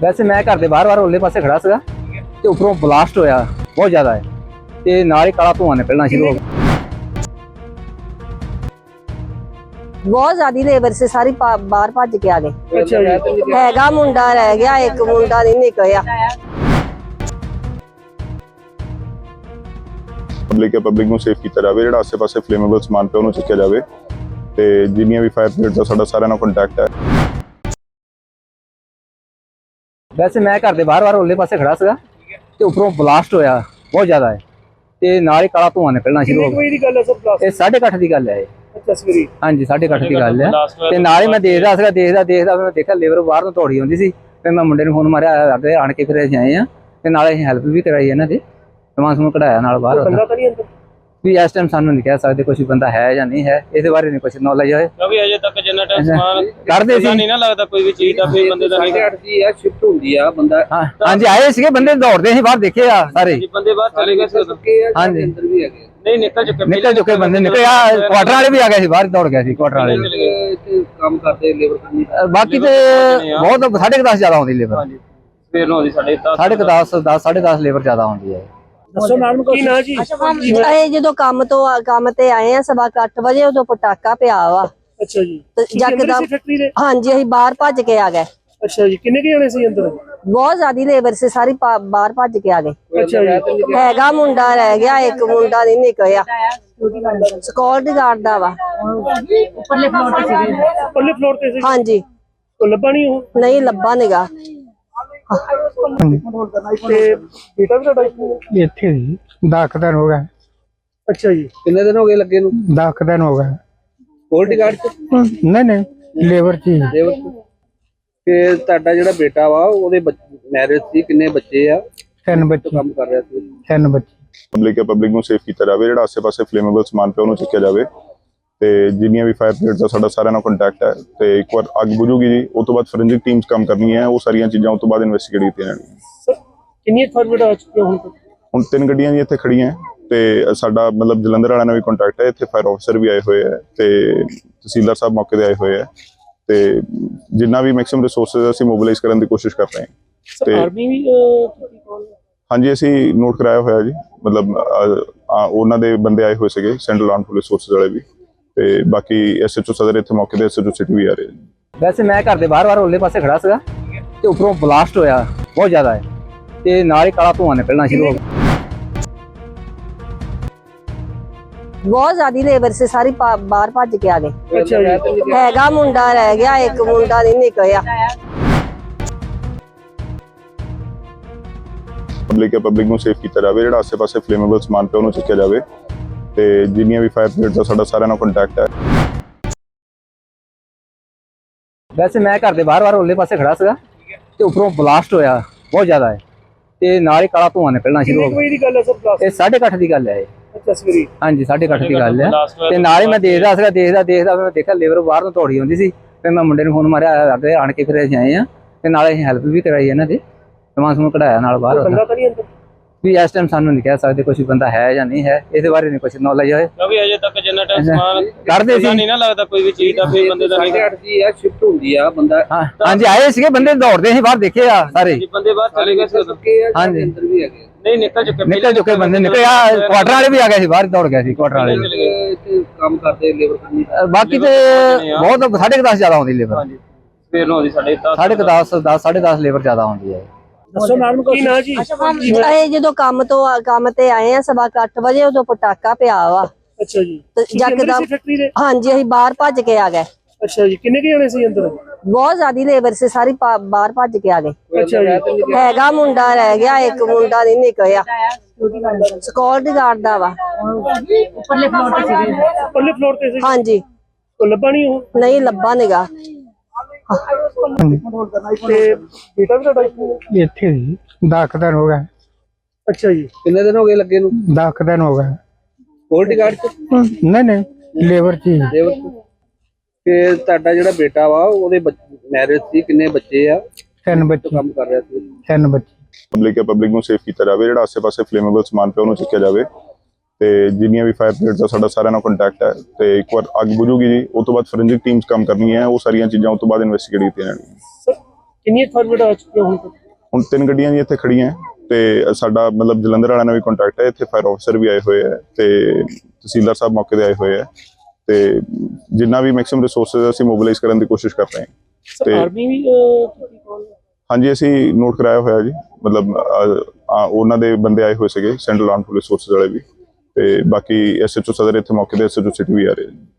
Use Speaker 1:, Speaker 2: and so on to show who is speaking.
Speaker 1: वैसे मैं घर के बाहर ओले पासे खड़ा सीगा ते उपरों ब्लास्ट होया बहुत ज़्यादा है ते नाल ही काला धुआं निकलना शुरू हो गया।
Speaker 2: बहुत ज्यादा लेबर से सारी बाहर भज के आ गए।
Speaker 3: अच्छा
Speaker 2: हैगा मुंडा रह गया, एक मुंडा नहीं निकलिया।
Speaker 4: पब्लिक ਨੂੰ ਸੇਫ ਕੀਤਾ ਜਾਵੇ, ਜਿਹੜਾ ਆਸੇ-ਪਾਸੇ ਫਲੇਮੇਬਲ ਸਮਾਨ ਪਿਆ ਉਹਨੂੰ ਚੱਕਿਆ ਜਾਵੇ ਤੇ ਜਿੰਨੀਆਂ ਵੀ ਫਾਇਰ ਬ੍ਰਿਗੇਡ ਦਾ ਸਾਡਾ ਸਾਰਿਆਂ ਨਾਲ ਕੰਟੈਕਟ ਹੈ।
Speaker 1: वैसे मैं घर के बाहर ओले पासे खड़ा सीगा ते उपरों ब्लास्ट होया बहुत ज़्यादा है ते नाल ही काला धुआं निकलना शुरू हो गया। ये 8:30 की गल है। हाँ जी 8:30 की गल है ते नाल ही मैं देखदा सीगा देखदा मैं देखा लेबर बाहर ਨੂੰ ਦੌੜੀ ਆਉਂਦੀ ਸੀ ਤੇ ਮੈਂ ਮੁੰਡੇ ਨੂੰ ਫੋਨ ਮਾਰਿਆ ਅੱਗੇ ਆਣ ਕੇ ਫਿਰ ਅਸੀਂ ਆਏ ਆ ਤੇ ਨਾਲੇ ਅਸੀਂ ਹੈਲਪ ਵੀ ਕਰਾਈ ਇਹਨਾਂ ਦੀ ਸਮਾਨ ਸਮੂਨ ਕਢਾਇਆ ਨਾਲ ਬਾਹਰ। ਵੀ ਇਸ ਟਾਈਮ ਸਾਨੂੰ ਨਹੀਂ ਕਹਿ ਸਕਦੇ ਕੁਝ ਬੰਦਾ ਹੈ ਜਾਂ ਨਹੀਂ ਹੈ, ਇਹਦੇ ਬਾਰੇ ਨਹੀਂ ਕੁਝ ਨੌਲੇਜ ਹੈ
Speaker 3: ਕਿਉਂਕਿ ਅਜੇ ਤੱਕ ਜਿੰਨਾ ਟਾਈਮ ਸਮਾਨ
Speaker 1: ਕਰਦੇ ਸੀ
Speaker 3: ਨਹੀਂ ਨਾ ਲੱਗਦਾ ਕੋਈ ਵੀ ਚੀਜ਼ ਦਾ ਫਿਰ ਬੰਦੇ ਦਾ ਨਹੀਂ
Speaker 5: ਜੀ ਆ ਸ਼ਿਫਟ ਹੁੰਦੀ ਆ ਬੰਦਾ।
Speaker 1: ਹਾਂਜੀ ਆਏ ਸੀਗੇ ਬੰਦੇ ਦੌੜਦੇ ਸੀ ਬਾਹਰ ਦੇਖੇ ਆ ਸਾਰੇ।
Speaker 3: ਬੰਦੇ ਬਾਹਰ ਚਲੇ ਗਏ ਸੀ
Speaker 1: ਹਾਂਜੀ
Speaker 5: ਅੰਦਰ ਵੀ ਹੈਗੇ
Speaker 3: ਨਹੀਂ ਨਿਕਲ
Speaker 1: ਚੁੱਕੇ ਬੰਦੇ ਨਿਕਲੇ ਆ ਕੁਆਟਰ ਵਾਲੇ ਵੀ ਆ ਗਏ ਸੀ ਬਾਹਰ ਦੌੜ ਗਏ ਸੀ ਕੁਆਟਰ ਵਾਲੇ ਵੀ।
Speaker 5: ਇੱਥੇ ਕੰਮ ਕਰਦੇ ਲੇਬਰ ਕਰਨੀ।
Speaker 1: ਬਾਕੀ ਤੇ ਬਹੁਤ 10:30 ਜ਼ਿਆਦਾ ਆਉਂਦੀ ਲੇਬਰ।
Speaker 3: ਹਾਂਜੀ ਸਵੇਰ ਨੂੰ ਆਉਂਦੀ
Speaker 1: 10:30 10:30 ਲੇਬਰ ਜ਼ਿਆਦਾ ਆਉਂਦੀ ਹੈ।
Speaker 3: ਦੱਸੋ ਨਾਮ ਕੀ ਨਾ ਜੀ।
Speaker 2: ਇਹ ਜਦੋਂ ਕੰਮ ਤੇ ਆਏ ਆ 8:15 ਵਜੇ ਉਦੋਂ ਪਟਾਕਾ ਪਿਆ ਵਾ।
Speaker 3: ਅੱਛਾ ਜੀ
Speaker 2: ਯਕਦਮ ਹਾਂਜੀ ਅਸੀਂ ਬਾਹਰ ਭੱਜ ਕੇ ਆ ਗਏ।
Speaker 3: ਅੱਛਾ ਜੀ ਕਿੰਨੇ ਕੀ ਜਣੇ ਸੀ ਅੰਦਰ?
Speaker 2: बहुत ज्यादा लेबर से सारी बाहर भज के आ गए।
Speaker 3: ਅੱਛਾ ਜੀ
Speaker 2: हैगा मुंडा रह गया, एक मुंडा नहीं निकलिया। सिक्योरिटी गार्ड दा वा।
Speaker 3: ਪੱਲੇ ਫਲੋਰ ਤੇ ਸੀ।
Speaker 2: हाँ जी
Speaker 3: ਕੋ ਲੱਭਾ ਨਹੀਂ ਉਹ
Speaker 2: नहीं लब्बा निगा।
Speaker 3: ਤੇ ਬੇਟਾ ਵੀ ਤੁਹਾਡਾ
Speaker 6: ਇੱਥੇ ਜੀ 10 ਦਿਨ ਹੋ ਗਏ।
Speaker 3: ਅੱਛਾ ਜੀ
Speaker 5: ਕਿੰਨੇ ਦਿਨ ਹੋ ਗਏ ਲੱਗੇ ਨੂੰ?
Speaker 6: 10 ਦਿਨ ਹੋ ਗਏ।
Speaker 5: ਸਕਿਉਰਟੀ ਗਾਰਡ ਚ
Speaker 6: ਨਹੀਂ ਲੇਬਰ ਚ ਹੀ।
Speaker 5: ਲੇਬਰ ਚ। ਤੇ ਤੁਹਾਡਾ ਜਿਹੜਾ ਬੇਟਾ ਵਾ ਉਹਦੇ ਮੈਰਿਜ ਸੀ, ਕਿੰਨੇ ਬੱਚੇ ਆ?
Speaker 6: 3 ਬੱਚੇ।
Speaker 5: ਕੰਮ ਕਰ ਰਿਹਾ ਸੀ।
Speaker 6: 3 ਬੱਚੇ।
Speaker 4: ਪਬਲਿਕ ਨੂੰ ਸੇਫ ਕੀਤਾ ਜਾਵੇ, ਜਿਹੜਾ ਆਸੇ-ਪਾਸੇ ਫਲੇਮੇਬਲ ਸਮਾਨ ਪਿਆ ਉਹਨੂੰ ਚੱਕਿਆ ਜਾਵੇ ਤੇ ਜਿੰਨੀਆਂ ਵੀ ਫਾਇਰ ਬ੍ਰਿਗੇਡ ਦਾ ਸਾਡਾ ਸਾਰਿਆਂ ਨਾਲ ਕੰਟੈਕਟ ਹੈ ਤੇ ਇੱਕ ਵਾਰ ਅੱਗ ਬੁਝੂਗੀ ਜੀ ਉਸ ਤੋਂ ਬਾਅਦ ਫੋਰੈਂਸਿਕ ਟੀਮਸ ਕੰਮ ਕਰਨੀਆਂ, ਉਹ ਸਾਰੀਆਂ ਚੀਜ਼ਾਂ ਉਸ ਤੋਂ ਬਾਅਦ ਇਨਵੈਸਟੀਗੇਟ ਕੀਤੀਆਂ ਜਾਣਗੀਆਂ।
Speaker 3: ਸਰ ਕਿੰਨੀ ਫਾਰਵਰਡ ਆ ਚੁੱਕੀ ਹੁਣ ਤੱਕ?
Speaker 4: ਹੁਣ 3 ਗੱਡੀਆਂ ਜੀ ਇੱਥੇ ਖੜੀਆਂ ਤੇ ਸਾਡਾ ਮਤਲਬ ਜਲੰਧਰ ਵਾਲਿਆਂ ਨਾਲ ਵੀ ਕੰਟੈਕਟ ਹੈ, ਇੱਥੇ ਫਾਇਰ ਆਫੀਸਰ ਵੀ ਆਏ ਹੋਏ ਹੈ ਤੇ ਤਹਿਸੀਲਦਾਰ ਸਾਹਿਬ ਮੌਕੇ ਤੇ ਆਏ ਹੋਏ ਹੈ ਤੇ ਜਿੰਨਾ ਵੀ ਮੈਕਸਿਮਮ ਰਿਸੋਰਸਸ ਅਸੀਂ ਮੋਬਿਲਾਈਜ਼ ਕਰਨ ਦੀ ਕੋਸ਼ਿਸ਼ ਕਰ ਰਹੇ ਹਾਂ।
Speaker 3: ਤੇ ਆਰਮੀ ਵੀ
Speaker 4: ਹਾਂਜੀ ਅਸੀਂ ਨੋਟ ਕਰਾਇਆ ਹੋਇਆ ਜੀ, ਮਤਲਬ ਉਹਨਾਂ ਦੇ ਬੰਦੇ ਆਏ ਹੋਏ ਸੀਗੇ ਸੈਂਟਰਲ ਆਰਮ ਪੁਲਿਸ ਫੋਰਸਿਸ ਵਾਲੇ ਵੀ ਤੇ ਬਾਕੀ ਐਸਐਚਓ ਸਦਰ ਇੱਥੇ ਮੌਕੇ ਤੇ ਐਸਐਚਓ ਸਿਟੀ ਵੀ ਆ ਰਹੇ ਨੇ।
Speaker 1: वैसे मैं घर के बाहर ओले पासे खड़ा सीगा ते उपरों ब्लास्ट होया बहुत ज़्यादा है ते नाल ही काला धुआं निकलना शुरू हो गया।
Speaker 2: बहुत ज्यादा लेबर से सारी बाहर भज के आ गए।
Speaker 3: ਅੱਛਾ ਜੀ
Speaker 2: हैगा मुंडा रह गया, एक मुंडा नहीं निकलिया।
Speaker 4: ਪਬਲਿਕ ਨੂੰ ਸੇਫ ਕੀਤਾ ਜਾਵੇ, ਜਿਹੜਾ ਆਸੇ-ਪਾਸੇ ਫਲੇਮੇਬਲ ਸਮਾਨ ਪਿਆ ਉਹਨੂੰ ਚੱਕਿਆ ਜਾਵੇ ਤੇ ਜਿੰਨੀਆਂ ਵੀ ਫਾਇਰ ਬ੍ਰਿਗੇਡ ਦਾ ਸਾਡਾ ਸਾਰਿਆਂ ਨਾਲ ਕੰਟੈਕਟ ਹੈ।
Speaker 1: वैसे मैं घर के बाहर ओले पासे खड़ा सीगा ते उपरों ब्लास्ट होया बहुत ज़्यादा है ते नाल ही काला धुआं निकलना शुरू हो
Speaker 3: ਕੋਈ ਦੀ ਗੱਲ ਹੈ ਸਰ
Speaker 1: गया। ये 8:30 की गल है।
Speaker 3: ਅੱਛਾ ਸਵੇਰੇ
Speaker 1: हाँ जी 8:30 की गल है ਤੇ ਨਾਲੇ ਮੈਂ ਦੇਖਦਾ ਮੈਂ ਦੇਖਿਆ ਲੇਬਰ ਬਾਹਰ ਨੂੰ ਦੌੜੀ ਆਉਂਦੀ ਸੀ ਤੇ ਮੈਂ ਮੁੰਡੇ ਨੂੰ ਫੋਨ ਮਾਰਿਆ ਅੱਗੇ ਆਣ ਕੇ ਫਿਰ ਅਸੀਂ ਆਏ ਆ ਤੇ ਨਾਲੇ ਅਸੀਂ ਹੈਲਪ ਵੀ ਕਰਾਈ ਇਹਨਾਂ ਦੀ ਸਮਾਨ ਸਮੂਨ ਕਢਾਇਆ ਨਾਲ ਬਾਹਰ।
Speaker 3: ਬੰਦਾ ਤਾਂ ਨਹੀਂ ਅੰਦਰ
Speaker 1: ਵੀ ਇਸ ਟਾਈਮ ਸਾਨੂੰ ਨਹੀਂ ਕਹਿ ਸਕਦੇ ਕੁਝ ਬੰਦਾ ਹੈ ਜਾਂ ਨਹੀਂ ਹੈ, ਇਹਦੇ ਬਾਰੇ ਨਹੀਂ ਕੁਝ ਨੌਲੇਜ ਹੈ
Speaker 3: ਕਿਉਂਕਿ ਅਜੇ ਤੱਕ ਜਿੰਨਾ ਟਾਈਮ ਸਮਾਨ
Speaker 1: ਕਰਦੇ ਸੀ।
Speaker 3: ਨਹੀਂ ਨਾ ਲੱਗਦਾ ਕੋਈ ਵੀ ਚੀਜ਼ ਦਾ ਫਿਰ ਬੰਦੇ ਦਾ ਨਹੀਂ
Speaker 5: ਜੀ ਆ ਸ਼ਿਫਟ ਹੁੰਦੀ ਆ ਬੰਦਾ।
Speaker 1: ਹਾਂਜੀ ਆਏ ਸੀਗੇ ਬੰਦੇ ਦੌੜਦੇ ਸੀ ਬਾਹਰ ਦੇਖੇ ਆ ਸਾਰੇ।
Speaker 3: ਬੰਦੇ ਬਾਹਰ ਚਲੇ ਗਏ ਸੀ।
Speaker 5: ਹਾਂਜੀ ਅੰਦਰ ਵੀ ਹੈਗੇ।
Speaker 3: ਨਹੀਂ ਨਿਕਲ
Speaker 1: ਚੁੱਕੇ ਬੰਦੇ ਨਿਕਲੇ ਆ ਕੁਆਟਰ ਵਾਲੇ ਵੀ ਆ ਗਏ ਸੀ ਬਾਹਰ ਦੌੜ ਗਏ ਸੀ ਕੁਆਟਰ ਵਾਲੇ ਵੀ।
Speaker 5: ਇੱਥੇ ਕੰਮ ਕਰਦੇ ਲੇਬਰ ਕਰਨੀ।
Speaker 1: ਬਾਕੀ ਤੇ ਬਹੁਤ 10:30 ਜ਼ਿਆਦਾ ਆਉਂਦੀ ਲੇਬਰ।
Speaker 3: ਹਾਂਜੀ ਸਵੇਰ ਨੂੰ ਆਉਂਦੀ
Speaker 1: 10:30 10:30 ਲੇਬਰ ਜ਼ਿਆਦਾ ਆਉਂਦੀ ਹੈ।
Speaker 3: ਦੱਸੋ ਨਾਮ ਕੀ ਨਾ ਜੀ।
Speaker 2: ਇਹ ਜਦੋਂ ਕੰਮ ਤੇ ਆਏ ਆ 8:15 ਵਜੇ ਉਦੋਂ ਪਟਾਕਾ ਪਿਆ ਵਾ।
Speaker 3: ਅੱਛਾ ਜੀ
Speaker 2: ਯਕਦਮ ਹਾਂਜੀ ਅਸੀਂ ਬਾਹਰ ਭੱਜ ਕੇ ਆ ਗਏ।
Speaker 3: ਅੱਛਾ ਜੀ ਕਿੰਨੇ ਕੀ ਜਣੇ ਸੀ ਅੰਦਰ?
Speaker 2: बहुत ज्यादा लेबर से सारी बाहर भज के आ गए।
Speaker 3: ਅੱਛਾ ਜੀ
Speaker 2: हैगा मुंडा रह गया, एक मुंडा नहीं निकलिया। सिक्योरिटी गार्ड दा वा।
Speaker 3: ਪੱਲੇ ਫਲੋਰ ਤੇ ਸੀ।
Speaker 2: हाँ जी
Speaker 3: ਕੋ ਲੱਭਾ ਨਹੀਂ ਉਹ
Speaker 2: नहीं लब्बा निगा।
Speaker 3: ਤੇ ਬੇਟਾ ਵੀ ਤੁਹਾਡਾ
Speaker 6: ਇੱਥੇ ਜੀ 10 ਦਿਨ ਹੋ ਗਏ।
Speaker 3: ਅੱਛਾ ਜੀ
Speaker 5: ਕਿੰਨੇ ਦਿਨ ਹੋ ਗਏ ਲੱਗੇ ਨੂੰ?
Speaker 6: 10 ਦਿਨ ਹੋ ਗਏ।
Speaker 5: ਸਕਿਉਰਟੀ ਗਾਰਡ ਚ।
Speaker 6: ਨਹੀਂ ਲੇਬਰ ਚ ਹੀ।
Speaker 5: ਲੇਬਰ ਚ। ਤੇ ਤੁਹਾਡਾ ਜਿਹੜਾ ਬੇਟਾ ਵਾ ਉਹਦੇ ਮੈਰਿਜ ਸੀ, ਕਿੰਨੇ ਬੱਚੇ ਆ?
Speaker 6: 3 ਬੱਚੇ।
Speaker 5: ਕੰਮ ਕਰ ਰਿਹਾ ਸੀ।
Speaker 6: 3 ਬੱਚੇ।
Speaker 4: ਪਬਲਿਕ ਨੂੰ ਸੇਫ ਕੀਤਾ ਜਾਵੇ, ਜਿਹੜਾ ਆਸੇ-ਪਾਸੇ ਫਲੇਮੇਬਲ ਸਮਾਨ ਪਿਆ ਉਹਨੂੰ ਚੱਕਿਆ ਜਾਵੇ ਤੇ ਜਿੰਨੀਆਂ ਵੀ ਫਾਇਰ ਬ੍ਰਿਗੇਡ ਦਾ ਸਾਡਾ ਸਾਰਿਆਂ ਨਾਲ ਕੰਟੈਕਟ ਹੈ ਤੇ ਇੱਕ ਵਾਰ ਅੱਗ ਬੁਝੂਗੀ ਜੀ ਉਸ ਤੋਂ ਬਾਅਦ ਫੋਰੈਂਸਿਕ ਟੀਮਸ ਕੰਮ ਕਰਨੀਆਂ, ਉਹ ਸਾਰੀਆਂ ਚੀਜ਼ਾਂ ਉਸ ਤੋਂ ਬਾਅਦ ਇਨਵੈਸਟੀਗੇਟ ਕੀਤੀਆਂ ਜਾਣਗੀਆਂ।
Speaker 3: ਸਰ ਕਿੰਨੀਆਂ ਫਾਰਮੇਟ ਆ ਚੁੱਕੀਆਂ ਹੁਣ ਤੱਕ?
Speaker 4: ਹੁਣ 3 ਗੱਡੀਆਂ ਜੀ ਇੱਥੇ ਖੜੀਆਂ ਹੈ ਤੇ ਸਾਡਾ ਮਤਲਬ ਜਲੰਧਰ ਵਾਲਿਆਂ ਨਾਲ ਵੀ ਕੰਟੈਕਟ ਹੈ। ਇੱਥੇ ਫਾਇਰ ਆਫੀਸਰ ਵੀ ਆਏ ਹੋਏ ਹੈ ਤੇ ਤਹਿਸੀਲਦਾਰ ਸਾਹਿਬ ਮੌਕੇ ਤੇ ਆਏ ਹੋਏ ਹੈ ਤੇ ਜਿੰਨਾ ਵੀ ਮੈਕਸਿਮਮ ਰਿਸੋਰਸਸ ਅਸੀਂ ਮੋਬਿਲਾਈਜ਼ ਕਰਨ ਦੀ ਕੋਸ਼ਿਸ਼ ਕਰ ਰਹੇ ਹਾਂ। ਤੇ
Speaker 3: ਆਰਮੀ ਵੀ ਕੀਤੀ ਕਾਲ?
Speaker 4: ਹਾਂਜੀ, ਅਸੀਂ ਨੋਟ ਕਰਾਇਆ ਹੋਇਆ ਜੀ, ਮਤਲਬ ਉਹਨਾਂ ਦੇ ਬੰਦੇ ਆਏ ਹੋਏ ਸੀਗੇ, ਸੈਂਟਰਲ ਆਰਮ ਪੁਲਿਸ ਫੋਰਸਿਸ ਵਾਲੇ ਵੀ, ਤੇ ਬਾਕੀ ਐਸਐਚਓ ਸਦਰ ਇੱਥੇ ਮੌਕੇ ਤੇ ਐਸਐਚਓ ਸਿਟੀ ਵੀ ਆ ਰਹੇ।